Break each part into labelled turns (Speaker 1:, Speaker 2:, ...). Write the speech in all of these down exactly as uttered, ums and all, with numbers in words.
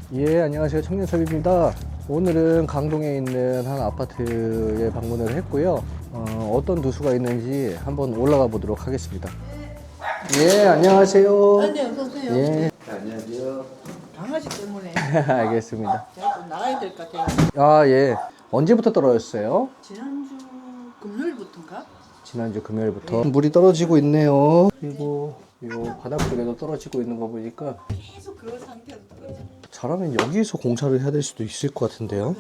Speaker 1: 예, 안녕하세요. 청년섭입니다. 오늘은 강동에 있는 한 아파트에 방문을 했고요. 어, 어떤 누수가 있는지 한번 올라가 보도록 하겠습니다. 예, 안녕하세요.
Speaker 2: 아, 네, 어서오세요.
Speaker 1: 예. 네, 안녕하세요.
Speaker 2: 강아지 때문에
Speaker 1: 알겠습니다.
Speaker 2: 제가 좀 나가야 될 것 같아요.
Speaker 1: 아, 예. 언제부터 떨어졌어요?
Speaker 2: 지난주 금요일부터인가?
Speaker 1: 지난주 금요일부터 물이 떨어지고 있네요. 그리고 요 바닥 쪽에도 떨어지고 있는 거 보니까
Speaker 2: 계속 그 상태로 떨어져.
Speaker 1: 잘하면 여기서 공사를 해야 될 수도 있을 것 같은데요.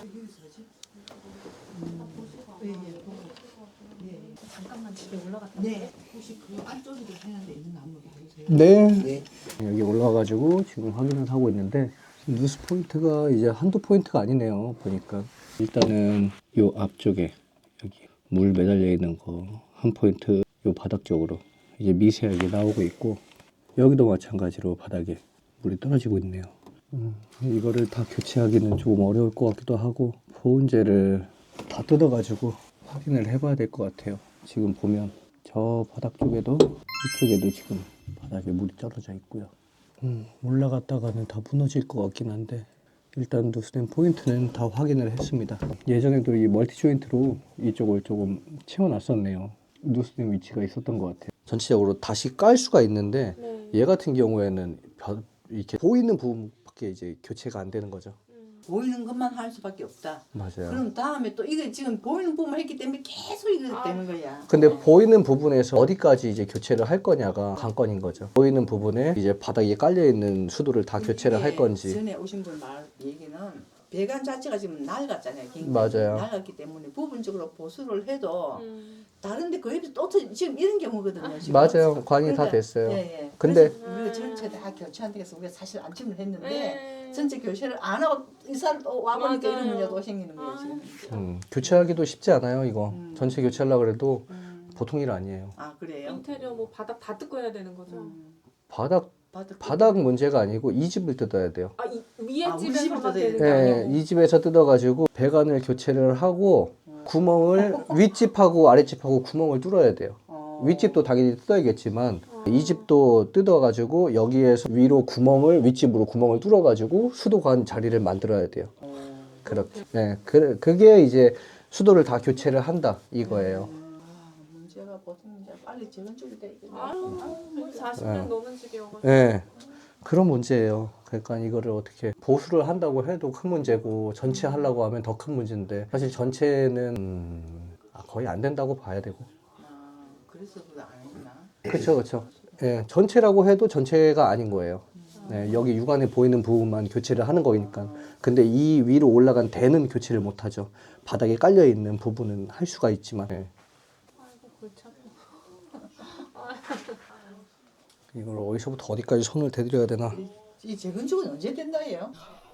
Speaker 2: 잠깐만 집에 올라갔다. 네. 혹시 그 안쪽에도 해야 되는 나무 보세요.
Speaker 1: 네. 네. 여기 올라가가지고 지금 확인을 하고 있는데 누수 포인트가 이제 한두 포인트가 아니네요. 보니까 일단은 요 앞쪽에 여기 물 매달려 있는 거 한 포인트 요 바닥 쪽으로 이제 미세하게 나오고 있고 여기도 마찬가지로 바닥에 물이 떨어지고 있네요. 음, 이거를 다 교체하기는 조금 어려울 것 같기도 하고 보온재를 다 뜯어가지고 확인을 해봐야 될 것 같아요. 지금 보면 저 바닥 쪽에도 이쪽에도 지금 바닥에 물이 떨어져 있고요. 음, 올라갔다가는 다 무너질 것 같긴 한데 일단 누수된 포인트는 다 확인을 했습니다. 예전에도 이 멀티 조인트로 이쪽을 조금 채워놨었네요. 누수된 위치가 있었던 것 같아요. 전체적으로 다시 깔 수가 있는데
Speaker 3: 네.
Speaker 1: 얘 같은 경우에는 벼- 이렇게 보이는 부분밖에 이제 교체가 안 되는 거죠.
Speaker 2: 보이는 것만 할 수밖에 없다.
Speaker 1: 맞아요.
Speaker 2: 그럼 다음에 또 이게 지금 보이는 부분만 했기 때문에 계속 이거 되는 거야.
Speaker 1: 근데 보이는 부분에서 어디까지 이제 교체를 할 거냐가 관건인 거죠. 보이는 부분에 이제 바닥에 깔려 있는 수도를 다 교체를 할 건지.
Speaker 2: 전에 오신 분 말 얘기는 배관 자체가 지금 낡았잖아요. 굉장히.
Speaker 1: 맞아요.
Speaker 2: 낡았기 때문에 부분적으로 보수를 해도
Speaker 3: 음.
Speaker 2: 다른데 거의 또 터- 지금 이런 경우거든요. 지금.
Speaker 1: 맞아요. 관이 다
Speaker 2: 그러니까,
Speaker 1: 됐어요.
Speaker 2: 예, 예.
Speaker 1: 근데-
Speaker 2: 그래서 우리가 전체 다 교체한다고 해서 우리가 사실 안침을 했는데
Speaker 3: 네.
Speaker 2: 전체 교체를 안 하고 이사를 또 와보니까
Speaker 3: 맞아요.
Speaker 2: 이런 문제가 또 생기는 거예요.
Speaker 3: 아,
Speaker 2: 지금.
Speaker 1: 음, 교체하기도 쉽지 않아요. 이거
Speaker 2: 음.
Speaker 1: 전체 교체하려고 해도
Speaker 2: 음.
Speaker 1: 보통 일 아니에요.
Speaker 2: 아 그래요?
Speaker 3: 인테리어 뭐 바닥 다 뜯고 해야 되는 거죠?
Speaker 2: 음.
Speaker 1: 바닥
Speaker 2: 바닥
Speaker 1: 바닥 문제가 아니고 이 집을 뜯어야 돼요.
Speaker 3: 아, 이, 위에
Speaker 2: 아, 우리 집을
Speaker 3: 집에서만
Speaker 2: 뜯어야
Speaker 3: 되는 게
Speaker 1: 네,
Speaker 3: 아니고.
Speaker 1: 이 집에서 뜯어가지고 배관을 교체를 하고 구멍을 윗집하고 아랫집하고 구멍을 뚫어야 돼요.
Speaker 2: 어.
Speaker 1: 윗집도 당연히 뜯어야겠지만 이 집도 뜯어가지고 여기에서 위로 구멍을 윗집으로 구멍을 뚫어가지고 수도관 자리를 만들어야 돼요.
Speaker 2: 어.
Speaker 1: 그렇게. 네, 그, 그게 이제 수도를 다 교체를 한다 이거예요.
Speaker 2: 음. 아, 문제가 보통 이제 빨리 재건축이 돼 있겠네.
Speaker 3: 아유, 거의 사십 년
Speaker 1: 네.
Speaker 3: 넘은 집이어가지고.
Speaker 1: 네, 그런 문제예요. 그러니까 이거를 어떻게 보수를 한다고 해도 큰 문제고 전체 하려고 하면 더 큰 문제인데 사실 전체는 음, 아, 거의 안 된다고 봐야 되고.
Speaker 2: 아, 그래서 그거 안 했구나.
Speaker 1: 그렇죠, 그렇죠. 예, 전체라고 해도 전체가 아닌 거예요. 네, 여기 육안에 보이는 부분만 교체를 하는 거니까. 근데 이 위로 올라간 대는 교체를 못 하죠. 바닥에 깔려 있는 부분은 할 수가 있지만. 예.
Speaker 3: 아이고, 골치 아파.
Speaker 1: 이걸 어디서부터 어디까지 손을 대드려야 되나?
Speaker 2: 이, 이 재건축은 언제 된다예요?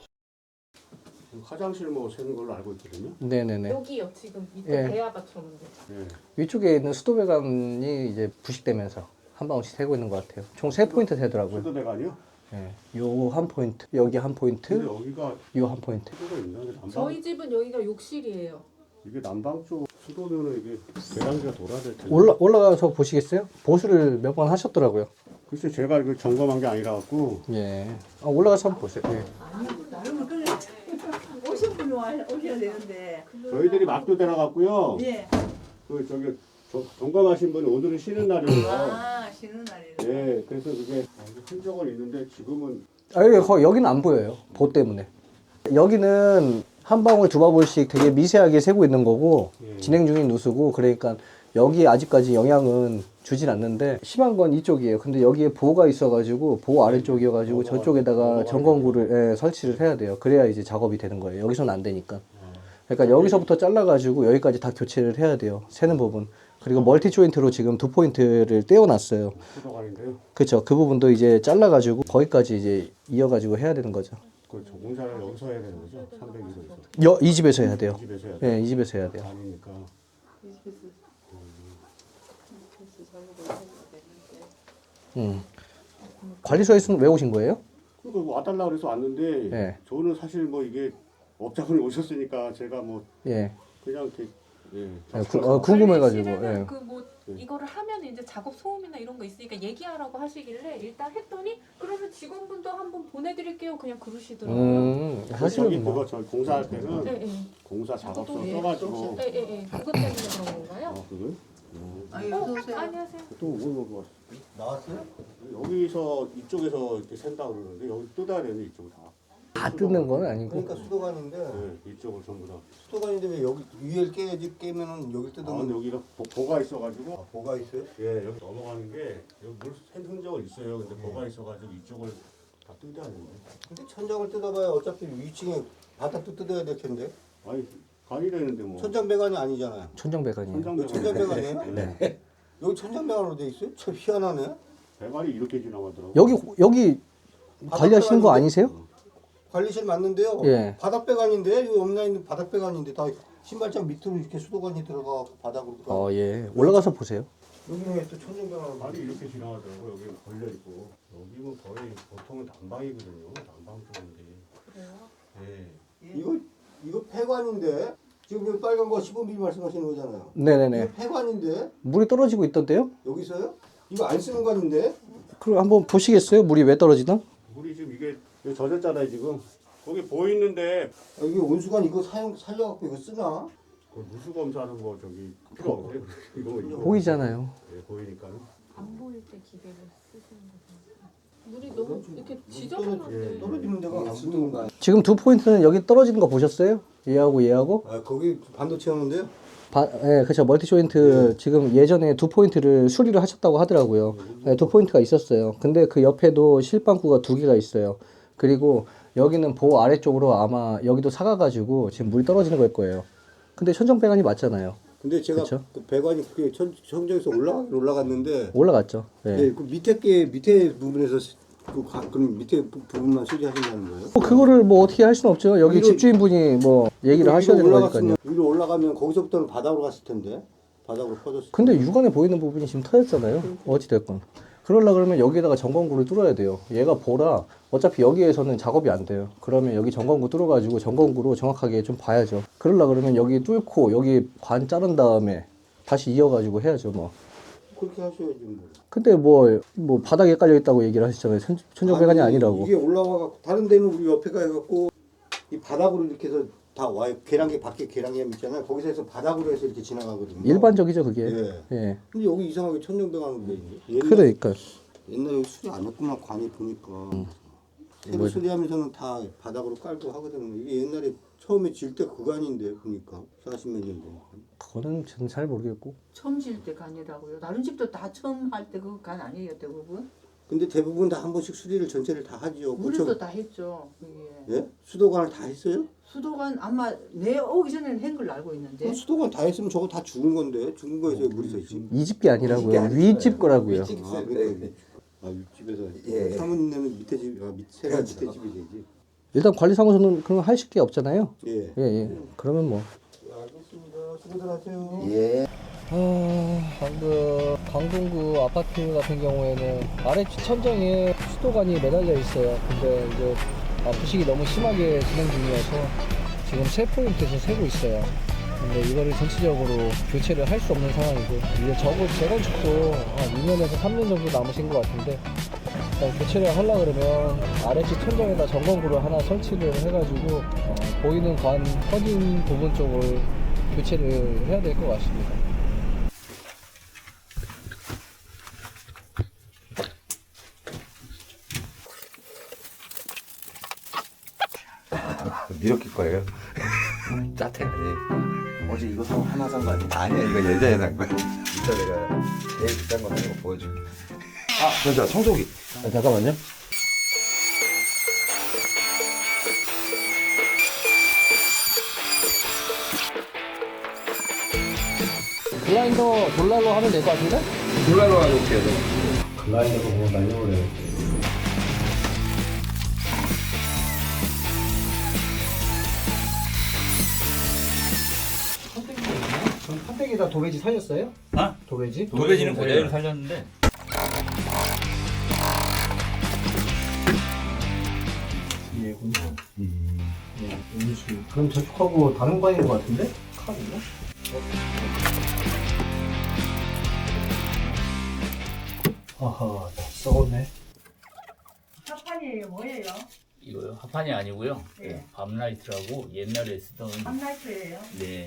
Speaker 4: 화장실 뭐 새는 걸로 알고 있거든요.
Speaker 1: 네네네.
Speaker 3: 여기요, 지금 밑에
Speaker 1: 예.
Speaker 3: 대야 받쳤는데.
Speaker 4: 네.
Speaker 1: 위쪽에 있는 수도 배관이 이제 부식되면서 한 방울씩 새고 있는 것 같아요. 총 세 포인트 새더라고요.
Speaker 4: 수도 배관이요?
Speaker 1: 예. 요 한 포인트, 여기 한
Speaker 4: 근데
Speaker 1: 포인트,
Speaker 4: 여기가
Speaker 1: 요 한 포인트.
Speaker 4: 수도가 있나? 이게 남방,
Speaker 3: 저희 집은 여기가 욕실이에요.
Speaker 4: 이게 남방 쪽 수도면은 이게 배관기가 돌아야 될 텐데.
Speaker 1: 올라 올라가서 보시겠어요? 보수를 몇 번 하셨더라고요.
Speaker 4: 글쎄 제가 이거 점검한 게 아니라 갖고
Speaker 1: 예. 아, 올라가서 한번 보세요. 예.
Speaker 2: 아니, 나름은 그래. 오신 분이 와, 오셔야 되는데.
Speaker 4: 저희들이 막도 대나 갖고요.
Speaker 2: 예.
Speaker 4: 그 저기 저- 점검하신 분이 오늘은 쉬는 날이에요.
Speaker 2: 아, 쉬는 날이네.
Speaker 4: 네, 그래서 그게 흔적은 있는데 지금은
Speaker 1: 아, 여기 거- 여기는 안 보여요. 보 때문에. 여기는 한 방울 두 방울씩 되게 미세하게 새고 있는 거고
Speaker 4: 예.
Speaker 1: 진행 중인 누수고 그러니까 여기 아직까지 영향은 주진 않는데 심한 건 이쪽이에요. 근데 여기에 보가 있어가지고 보 아래쪽이어가지고 저쪽에다가 점검구를 예, 설치를 해야 돼요. 그래야 이제 작업이 되는 거예요. 여기서는 안 되니까. 그러니까 여기서부터 잘라가지고 여기까지 다 교체를 해야 돼요. 새는 부분. 그리고 멀티 조인트로 지금 두 포인트를 떼어놨어요.
Speaker 4: 수도관인데요.
Speaker 1: 그렇죠. 그 부분도 이제 잘라가지고 거기까지 이제 이어가지고 해야 되는 거죠.
Speaker 4: 그 공사를 여기서 해야 되는 거죠? 삼백일호에서.
Speaker 1: 여, 이 집에서 해야 돼요.
Speaker 4: 이 집에서 해야 돼요.
Speaker 1: 예, 이 집에서 해야 돼요.
Speaker 4: 아니니까.
Speaker 1: 음. 관리소에서는 왜 오신 거예요?
Speaker 4: 그러니까 뭐 와달라 그래서 왔는데
Speaker 1: 예.
Speaker 4: 저는 사실 뭐 이게 업자분이 오셨으니까 제가 뭐
Speaker 1: 예.
Speaker 4: 그냥 이렇게 예.
Speaker 1: 예, 구, 어, 궁금해가지고.
Speaker 3: 관리실에는
Speaker 1: 예.
Speaker 3: 그뭐 이거를 하면 이제 작업 소음이나 이런 거 있으니까 얘기하라고 하시길래 일단 했더니 그러면 직원분도 한번 보내드릴게요 그냥 그러시더라고요.
Speaker 1: 음,
Speaker 4: 저기
Speaker 1: 사실은 뭐
Speaker 4: 그거 저 공사할 때는
Speaker 3: 네, 네.
Speaker 4: 공사 작업소
Speaker 3: 예.
Speaker 4: 써가지고
Speaker 3: 네, 네, 네. 그것 때문에 그런 건가요?
Speaker 4: 아 그걸?
Speaker 2: 아니
Speaker 3: 어,
Speaker 2: 어서 오세요.
Speaker 3: 안녕하세요.
Speaker 4: 또뭐 뭐,
Speaker 5: 나왔어요?
Speaker 4: 여기서 이쪽에서 이렇게 샌다 그러는데 여기 뜯어야 되는데 이쪽을 다.
Speaker 1: 다 뜯는 건 아니고.
Speaker 5: 그러니까 수도관인데
Speaker 4: 네, 이쪽을 전부 다.
Speaker 5: 수도관인데 왜 여기 위를 깨야지 깨면은 여기
Speaker 4: 아, 근데
Speaker 5: 뜯으면
Speaker 4: 여기가 보, 보가 있어가지고
Speaker 5: 아, 뭐가 있어요?
Speaker 4: 예 여기 넘어가는 게 여기 물샌 흔적은 있어요. 근데 보가 있어가지고 이쪽을 다 뜯어야 되는데.
Speaker 5: 근데 천장을 뜯어봐야 어차피 위층에 바닥도 뜯어야 될 텐데
Speaker 4: 아니 관이 되는데 뭐.
Speaker 5: 천장 배관이 아니잖아요.
Speaker 1: 천정배관이에요.
Speaker 5: 이거 천장 배관이에요?
Speaker 4: 네.
Speaker 5: 여기 천장 배관으로 돼 있어요? 참 희한하네.
Speaker 4: 배관이 이렇게 지나가더라고.
Speaker 1: 여기 여기 관리하시는 거 아니세요?
Speaker 5: 관리실 맞는데요.
Speaker 1: 예.
Speaker 5: 바닥 배관인데 여기 엄나 있는 바닥 배관인데 다 신발장 밑으로 이렇게 수도관이 들어가 바닥으로 들어가.
Speaker 1: 어, 예. 올라가서 보세요.
Speaker 5: 여기는 왜 또 천장 배관으로
Speaker 4: 관이 이렇게 지나가더라고. 여기 걸려 있고 여기는 거의 보통은 난방이거든요. 난방 쪽인데.
Speaker 3: 그래요?
Speaker 4: 예.
Speaker 5: 이거 이거 폐관인데 지금 여기 빨간 거 십오 밀리미터 말씀하시는 거잖아요.
Speaker 1: 네네네.
Speaker 5: 이거 폐관인데
Speaker 1: 물이 떨어지고 있던데요?
Speaker 5: 여기서요? 이거 안 쓰는 관인데?
Speaker 1: 그럼 한번 보시겠어요? 물이 왜 떨어지나?
Speaker 4: 물이 지금 이게 여기 젖었잖아요 지금. 거기 보이는데
Speaker 5: 여기 온수관 이거 사용 살려갖고 이거 쓰나?
Speaker 4: 그 누수 검사하는 거 저기 필요 없어요. 이거 이거
Speaker 1: 보이잖아요.
Speaker 4: 예, 보이니까는.
Speaker 3: 안 보일 때 기계를 쓰시는 거죠. 물이 너무 이렇게 지저분한데.
Speaker 5: 예, 떨어지는 데가 안 붙는 거 아니야?
Speaker 1: 지금 두 포인트는 여기 떨어지는 거 보셨어요? 얘하고 얘하고?
Speaker 5: 아 거기 반도체 하는데요?
Speaker 1: 바, 예, 그렇죠. 멀티 조인트 지금 예전에 두 포인트를 수리를 하셨다고 하더라고요. 예, 두 포인트가 있었어요. 근데 그 옆에도 실방구가 두 개가 있어요. 그리고 여기는 보호 아래쪽으로 아마 여기도 사가가지고 지금 물이 떨어지는 걸 거예요. 근데 천정배관이 맞잖아요.
Speaker 5: 근데 제가
Speaker 1: 그쵸?
Speaker 5: 그 배관이 그게 천, 천정에서 올라가 올라갔는데
Speaker 1: 올라갔죠. 예.
Speaker 5: 예, 그 밑에 게 밑에 부분에서 그 가- 그럼 밑에 부, 부분만 수리하신다는 거예요?
Speaker 1: 뭐 그거를 뭐 어떻게 할 수는 없죠. 여기
Speaker 5: 위로-
Speaker 1: 집주인분이 뭐 얘기를 하셔야 되는 거니까요.
Speaker 5: 위로 올라가면 거기서부터는 바닥으로 갔을 텐데 바닥으로 퍼졌을
Speaker 1: 근데 육안에 보이는 부분이 지금 터졌잖아요. 어찌됐건. 그러려 그러면 여기에다가 전건구를 뚫어야 돼요. 얘가 보라. 어차피 여기에서는 작업이 안 돼요. 그러면 여기 전건구 뚫어가지고 전건구로 정확하게 좀 봐야죠. 그러려 그러면 여기 뚫고 여기 관 자른 다음에 다시 이어가지고 해야죠 뭐.
Speaker 5: 그렇게 하셔야지 뭐.
Speaker 1: 근데 뭐, 뭐 바닥에 깔려있다고 얘기를 하시잖아요. 천, 천정배관이
Speaker 5: 아니,
Speaker 1: 아니라고.
Speaker 5: 이게 올라와갖고 다른 데는 우리 옆에 가갖고 이 바닥으로 이렇게 해서 다 와요. 계량기 밖에 계량기 있잖아요. 거기서 해서 바닥으로 해서 이렇게 지나가거든요.
Speaker 1: 일반적이죠 그게.
Speaker 5: 예.
Speaker 1: 예.
Speaker 5: 근데 여기 이상하게 천정배관으로 돼 있네. 옛날,
Speaker 1: 그러니까.
Speaker 5: 옛날에 여기 수리 안 했구만 관이 보니까. 새로
Speaker 1: 뭐-
Speaker 5: 수리하면서는 다 바닥으로 깔고 하거든요. 이게 옛날에 처음에 질 때 그관인데 보니까 사십 몇 년 전.
Speaker 1: 그거는 저는 잘 모르겠고.
Speaker 2: 처음 지을 때 간이라고요. 다른 집도 다 처음 할 때 그 간 아니에요 대부분?
Speaker 5: 근데 대부분 다 한 번씩 수리를 전체를 다 하지요.
Speaker 2: 우리도
Speaker 5: 고쳐-
Speaker 2: 다 했죠. 그게.
Speaker 5: 예? 수도관을 다 했어요?
Speaker 2: 수도관 아마 내 오기 전에는 한 걸로 알고 있는데.
Speaker 5: 그럼 수도관 다 했으면 저거 다 죽은 건데 죽은 거에서 물이 서 있지.
Speaker 1: 이 집 게 아니라고요. 윗집 거라고요.
Speaker 5: 윗집 아, 그러니까 아 윗집에서 예. 사모님네는 밑에 집, 아 밑에가 밑에 집이 되지.
Speaker 1: 일단 관리사무소는 그런 거 하실 게 없잖아요.
Speaker 5: 예.
Speaker 1: 예, 예. 그러면 뭐.
Speaker 5: 알겠습니다. 수고들 하세요.
Speaker 1: 예. 아, 방금 강동구 아파트 같은 경우에는 아래 천정에 수도관이 매달려 있어요. 근데 이제 아, 부식이 너무 심하게 진행 중이어서 지금 세 포인트에서 세고 있어요. 근데 이거를 전체적으로 교체를 할 수 없는 상황이고 이제 적어도 재건축도 한 이 년에서 삼 년 정도 남으신 것 같은데 일단 교체를 하려고 그러면 아래쪽 천정에다 전건구를 하나 설치를 해가지고 어, 보이는 관 퍼진 부분 쪽을 교체를 해야 될 것 같습니다.
Speaker 6: 미역일 거예요. 짜태 아니에요. 어제 이거 사 하나 산 거 아니야? 아니야, 이거 예전에 산 거야. 이따 내가 제일 비싼 거 하는 거 보여줄게. 아, 진짜 청소기.
Speaker 1: 아, 잠깐만요. 글라인더 돌날로 하면 될 것 같은데?
Speaker 6: 돌라로 해놓을게요.
Speaker 1: 글라인더도 뭐 날려버려요. 그럼 판때기에다 도배지 살렸어요?
Speaker 7: 아?
Speaker 1: 도배지?
Speaker 7: 도배지는 그대로 살렸는데
Speaker 1: 얘군요. 음. 네, 음수. 그럼 저쪽하고 다른 관인 것 같은데? 카드인가? 아하, 다 썩었네.
Speaker 2: 합판이에요 뭐예요?
Speaker 7: 이거요? 합판이 아니고요.
Speaker 2: 네.
Speaker 7: 밤라이트라고 옛날에 쓰던
Speaker 2: 밤라이트예요.
Speaker 7: 네.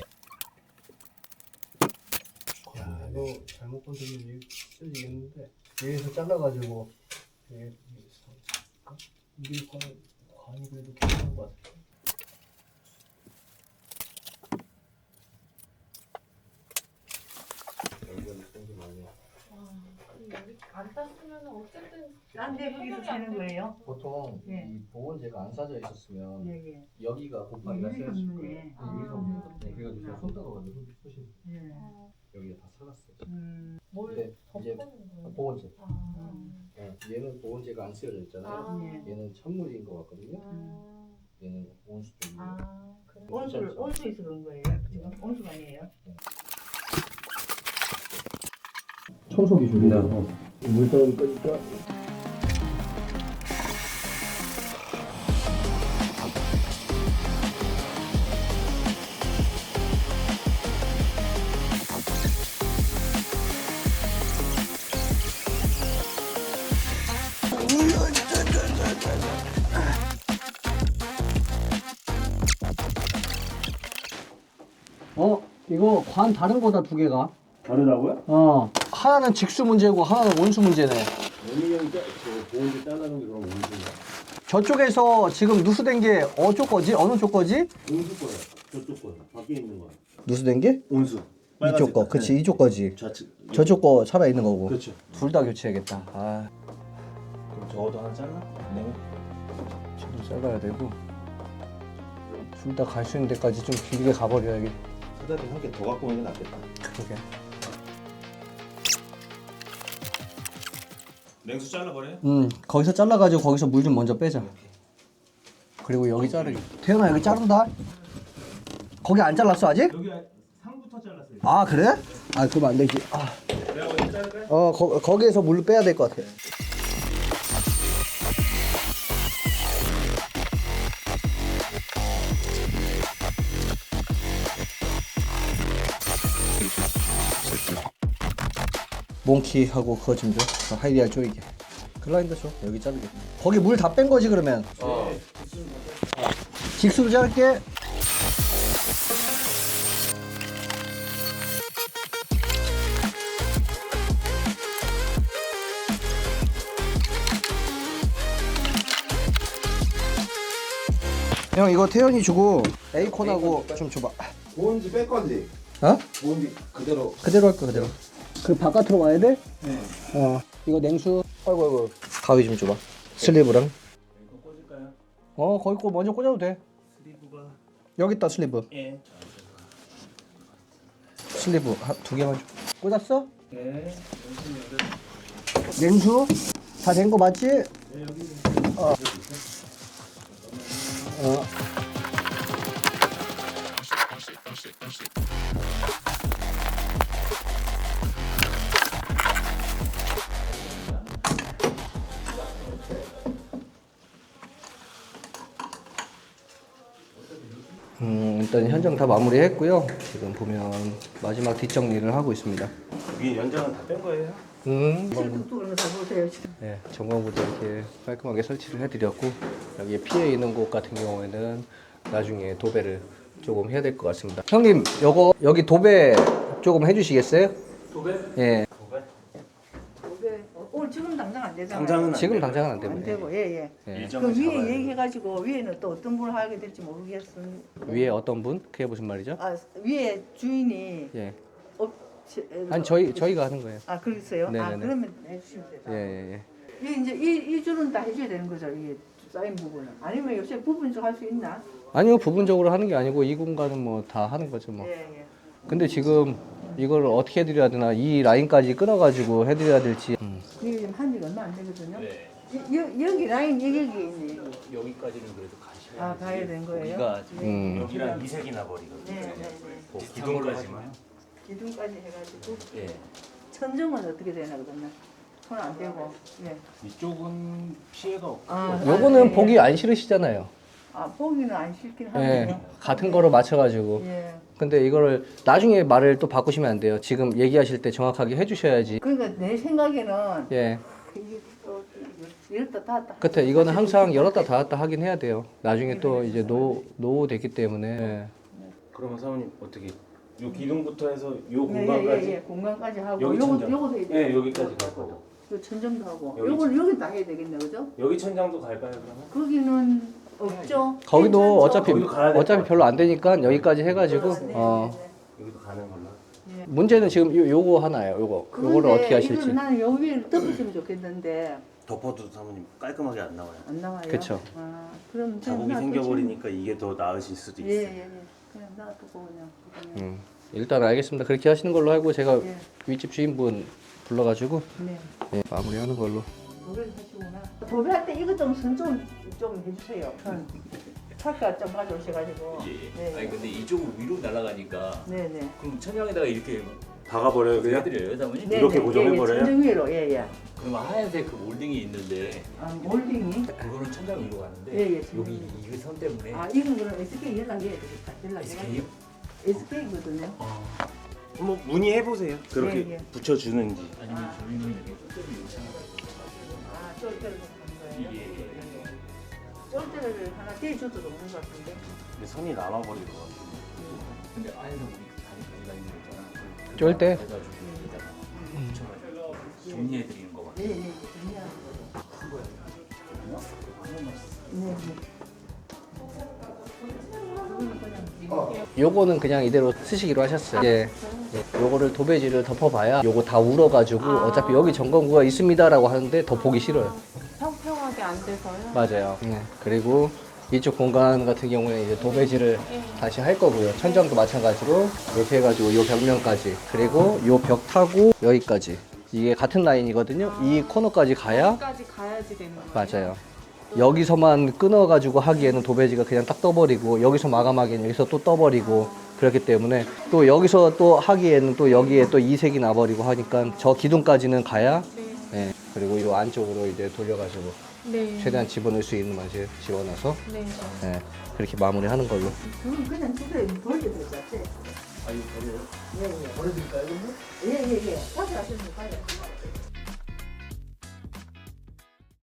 Speaker 1: 야, 이거 잘못 건드리면 쓰지겠는데 여기서 잘라가지고 이게 이게 관, 관이 그래도 괜찮은 것 같아.
Speaker 3: 여기 안 땄으면 어쨌든
Speaker 2: 딴데 거기서 세는 거예요?
Speaker 1: 보통
Speaker 2: 네.
Speaker 1: 이 보온재가 안 싸져 있었으면
Speaker 2: 예예.
Speaker 1: 여기가 곱하기가
Speaker 2: 유리가
Speaker 1: 세 있을
Speaker 2: 없네.
Speaker 1: 거예요. 네,
Speaker 3: 아.
Speaker 1: 유리가 없네. 네, 그래가지고 제가 손 따가가지고 손 푸시면
Speaker 2: 예.
Speaker 3: 어,
Speaker 1: 여기가 다 살았어요.
Speaker 2: 음.
Speaker 3: 뭘
Speaker 1: 근데 이제
Speaker 3: 덮어놓은 거예요?
Speaker 1: 보온재.
Speaker 3: 아.
Speaker 1: 네, 얘는 보온재가 안 쓰여져 있잖아요.
Speaker 3: 아.
Speaker 2: 예.
Speaker 1: 얘는 찬물인 것 같거든요.
Speaker 3: 아.
Speaker 1: 얘는 온수 쪽이고.
Speaker 3: 아. 그래.
Speaker 2: 온수를 온수에서 그런 거예요? 지금 온수가 아니에요?
Speaker 1: 청소기 중이라서 물 떨어질 거니까. 어, 이거 관 다른 거다 두 개가.
Speaker 4: 다르다고요?
Speaker 1: 어, 하나는 직수 문제고 하나는 원수 문제네.
Speaker 4: 원희 형이 저 보온제 잘라놓은 게 그럼 온수인가?
Speaker 1: 저쪽에서 지금 누수된 게 어쪽 거지? 어느 쪽 거지?
Speaker 4: 온수 거야. 저쪽 거야. 밖에 있는 거야.
Speaker 1: 누수된 게?
Speaker 4: 온수.
Speaker 1: 이쪽 거, 그치 이쪽 거지.
Speaker 4: 좌측.
Speaker 1: 저쪽 거 살아 있는 거고.
Speaker 4: 그렇죠.
Speaker 1: 둘 다 교체해야겠다. 아,
Speaker 4: 그럼 저것도 하나 잘라? 네.
Speaker 1: 저도 잘라야 되고. 둘 다 갈 수 있는 데까지 좀 길게 가버려야겠.
Speaker 4: 차라리 한 개 더 갖고 오는 게 낫겠다.
Speaker 1: 그러게.
Speaker 4: 냉수 잘라버려요?
Speaker 1: 음, 거기서 잘라가지고 거기서 물 좀 먼저 빼자. 그리고 여기 자르기. 태연아 여기 자른다. 거기 안 잘랐어 아직?
Speaker 4: 여기 상부터 잘랐어요.
Speaker 1: 아 그래? 아 그럼 안 되지. 아.
Speaker 4: 내가 어디 자를까요?
Speaker 1: 어 거, 거기에서 물을 빼야 될 것 같아. 몽키하고 그거 좀 줘. 그 하이리알 쪼이게. 글라인더 줘. 여기 자르게. 거기 물 다 뺀 거지 그러면. 어. 직수로 자를게. 형 이거 태연이 주고 에이콘하고 좀 줘봐.
Speaker 5: 보온지 뺄 건지.
Speaker 1: 어?
Speaker 5: 보온지 그대로.
Speaker 1: 그대로 할 거 그대로. 그 바깥으로 와야 돼? 네. 어. 이거 냉수. 아이고 아이고. 가위 좀 줘봐. 슬리브랑.
Speaker 4: 이거 꽂을까요?
Speaker 1: 어 거기 거 먼저 꽂아도 돼.
Speaker 4: 슬리브가.
Speaker 1: 여기 있다 슬리브.
Speaker 4: 예.
Speaker 1: 슬리브 한, 두 개만 줘. 꽂았어?
Speaker 4: 네.
Speaker 1: 냉수 다 된 거 맞지?
Speaker 4: 네 여기.
Speaker 1: 어. 어. 음, 일단 현장 다 마무리했고요. 지금 보면 마지막 뒷정리를 하고 있습니다.
Speaker 4: 위에 연장은 다 뺀 거예요?
Speaker 1: 음,
Speaker 2: 그쪽으로 다 보세요.
Speaker 1: 네, 전광부도 이렇게 깔끔하게 설치를 해드렸고 여기에 피해 있는 곳 같은 경우에는 나중에 도배를 조금 해야 될 것 같습니다. 형님, 요거 여기 도배 조금 해주시겠어요?
Speaker 4: 도배?
Speaker 1: 예,
Speaker 4: 도배?
Speaker 2: 오늘 오늘 지금 당장 안 되잖아요.
Speaker 4: 당장은 안
Speaker 1: 지금
Speaker 4: 돼요.
Speaker 1: 당장은 안
Speaker 2: 안
Speaker 1: 됩니다.
Speaker 2: 되고 예예.
Speaker 1: 예.
Speaker 4: 일정을
Speaker 2: 그 위에
Speaker 4: 잡아야 돼요.
Speaker 2: 얘기해가지고 위에는 또 어떤 분을 하게 될지 모르겠음.
Speaker 1: 위에 어떤 분? 그게 무슨 말이죠?
Speaker 2: 아 위에 주인이
Speaker 1: 예,
Speaker 2: 업
Speaker 1: 아니 저희 저희가 하는 거예요.
Speaker 2: 아 그러세요? 아
Speaker 1: 네네네.
Speaker 2: 그러면 해주시면 돼요.
Speaker 1: 예, 예, 예.
Speaker 2: 이 이제 이, 이 줄은 다 해줘야 되는 거죠. 이 쌓인 부분은. 아니면 요새 부분적 할 수 있나?
Speaker 1: 아니요, 부분적으로 하는 게 아니고 이 공간은 뭐 다 하는 거죠 뭐.
Speaker 2: 예 예.
Speaker 1: 근데 지금 이걸 어떻게 해드려야 되나, 이 라인까지 끊어가지고 해드려야 될지. 음.
Speaker 2: 이게 지금 한 지가 얼마 안 되거든요.
Speaker 7: 네.
Speaker 2: 이- 여, 여기 라인 여기 있네. 여기.
Speaker 7: 여기까지는 그래도 가셔야
Speaker 2: 아 가야 되는 거예요?
Speaker 7: 우리가
Speaker 1: 음.
Speaker 7: 여기랑 이색이 나버리거든요.
Speaker 2: 네, 네, 네.
Speaker 7: 그 기둥까지만.
Speaker 2: 기둥까지 해가지고
Speaker 7: 예.
Speaker 2: 천정은 어떻게 되나 그러면 손 안 대고. 예.
Speaker 7: 이쪽은 피해가 없고.
Speaker 2: 아,
Speaker 1: 요거는
Speaker 2: 아, 네.
Speaker 1: 보기 안 싫으시잖아요.
Speaker 2: 아 보기는 안 싫긴
Speaker 1: 예,
Speaker 2: 하네요.
Speaker 1: 같은 거로 맞춰가지고.
Speaker 2: 예.
Speaker 1: 근데 이거를 나중에 말을 또 바꾸시면 안 돼요. 지금 얘기하실 때 정확하게 해주셔야지.
Speaker 2: 그러니까 내 생각에는
Speaker 1: 예,
Speaker 2: 이게 또 이렇다 닿았다.
Speaker 1: 그때 이거는 항상 열었다 닫았다 하긴 해야 돼요. 나중에 또 이제 노 노후 됐기 때문에. 예.
Speaker 7: 그러면 사모님 어떻게 요 기둥부터 해서 요
Speaker 2: 예,
Speaker 7: 공간까지
Speaker 2: 예, 예, 공간까지 하고
Speaker 7: 여기
Speaker 2: 요거
Speaker 7: 천장.
Speaker 2: 요거도 해야 돼.
Speaker 7: 네, 여기까지 갈 거고.
Speaker 2: 요 천정도 하고
Speaker 7: 여기
Speaker 2: 요걸 여기 다 해야 되겠네, 그죠?
Speaker 7: 여기 천장도 갈까요 그러면?
Speaker 2: 거기는 없죠.
Speaker 1: 거기도
Speaker 2: 괜찮죠?
Speaker 1: 어차피
Speaker 7: 거기도 가야 될
Speaker 1: 어차피
Speaker 7: 것
Speaker 1: 별로 안 되니까 여기까지 해가지고.
Speaker 2: 네,
Speaker 1: 어
Speaker 2: 네, 네.
Speaker 7: 여기도 가는 걸로.
Speaker 1: 문제는 지금 요, 요거 하나예요. 요거 요거를
Speaker 2: 그런데
Speaker 1: 어떻게 하실지.
Speaker 2: 이건 나는 여기를 덮었으면 좋겠는데
Speaker 7: 덮어도 사모님 깔끔하게 안 나와요.
Speaker 2: 안 나와요.
Speaker 1: 그쵸.
Speaker 2: 아, 그럼
Speaker 7: 자국이
Speaker 2: 그냥 놔두지.
Speaker 7: 생겨버리니까 이게 더 나으실 수도
Speaker 2: 예,
Speaker 7: 있어요.
Speaker 2: 예, 예. 그냥 놔두고 그냥. 그냥.
Speaker 1: 음, 일단 알겠습니다. 그렇게 하시는 걸로 하고 제가
Speaker 2: 예.
Speaker 1: 윗집 주인분 불러가지고
Speaker 2: 네.
Speaker 1: 예, 마무리하는 걸로.
Speaker 2: 도배를 하시구나. 도배할 때 이것 좀 선 좀 좀 해주세요. 선. 차가 좀 가져오셔가지고.
Speaker 8: 예.
Speaker 2: 네.
Speaker 8: 아니 근데 이쪽으로 위로 날아가니까
Speaker 2: 네네.
Speaker 8: 그럼 천장에다가 이렇게
Speaker 7: 박아버려요 그냥?
Speaker 8: 해드려요, 사모님?
Speaker 2: 네,
Speaker 7: 이렇게
Speaker 2: 네.
Speaker 7: 고정해버려요?
Speaker 2: 예, 예. 천정 위로 예예.
Speaker 8: 그러면 하얀색 그 몰딩이 있는데
Speaker 2: 아 몰딩이.
Speaker 8: 그거는 천장 위로 가는데
Speaker 2: 예, 예, 천장
Speaker 8: 여기
Speaker 2: 위로.
Speaker 8: 이 선 때문에
Speaker 2: 아 이건 그럼 에스케이 연락해야 되겠다. 연락해가지고.
Speaker 8: 에스케이요?
Speaker 2: 에스케이거든요.
Speaker 7: 뭐 문의해보세요. 그렇게
Speaker 2: 예, 예.
Speaker 7: 붙여주는지.
Speaker 8: 아니면 저희는 이렇게 끝들이 요청하고
Speaker 2: 아 쫄대를 하는 거예요.
Speaker 8: 이게
Speaker 2: 쫄대를 하나 떼줘도 좋은 것 같은데.
Speaker 7: 근데 선이 남아버릴 것 같아요.
Speaker 8: 근데 안에서 우리 다리 가지가 있는 거 있잖아.
Speaker 1: 쫄 때?
Speaker 8: 해가지고 여기다가 붙여가지고 정리해드리는 거
Speaker 2: 예,
Speaker 8: 같아요.
Speaker 2: 예, 예. 그냥. 네, 네.
Speaker 1: 요거는 그냥 이대로 쓰시기로 하셨어요. 예. 예. 요거를 도배지를 덮어봐야 요거 다 울어가지고
Speaker 3: 아.
Speaker 1: 어차피 여기 점검구가 있습니다라고 하는데 더 보기 싫어요.
Speaker 3: 평평하게 안 돼서요.
Speaker 1: 맞아요. 예. 그리고 이쪽 공간 같은 경우에 이제 도배지를 다시 할 거고요. 천장도 마찬가지로 이렇게 해가지고 요 벽면까지 그리고 요 벽 타고 여기까지 이게 같은 라인이거든요. 이 코너까지 가야
Speaker 3: 여기까지 가야지 되는 거예요.
Speaker 1: 맞아요. 여기서만 끊어가지고 하기에는 도배지가 그냥 딱 떠버리고 여기서 마감하기에는 여기서 또 떠버리고 그렇기 때문에 또 여기서 또 하기에는 또 여기에 또 이색이 나버리고 하니까 저 기둥까지는 가야
Speaker 3: 네.
Speaker 1: 예. 그리고 이 안쪽으로 이제 돌려가지고
Speaker 3: 네.
Speaker 1: 최대한 집어넣을 수 있는 맛을 집어넣어서
Speaker 3: 네.
Speaker 1: 예. 그렇게 마무리하는 걸로.
Speaker 2: 그건 그냥 집에 버려야 될 것 같아.
Speaker 8: 아 이거 버려요?
Speaker 2: 예, 예.
Speaker 8: 버려드릴까요 그러면?
Speaker 2: 예, 예, 예. 가져가시면 가요.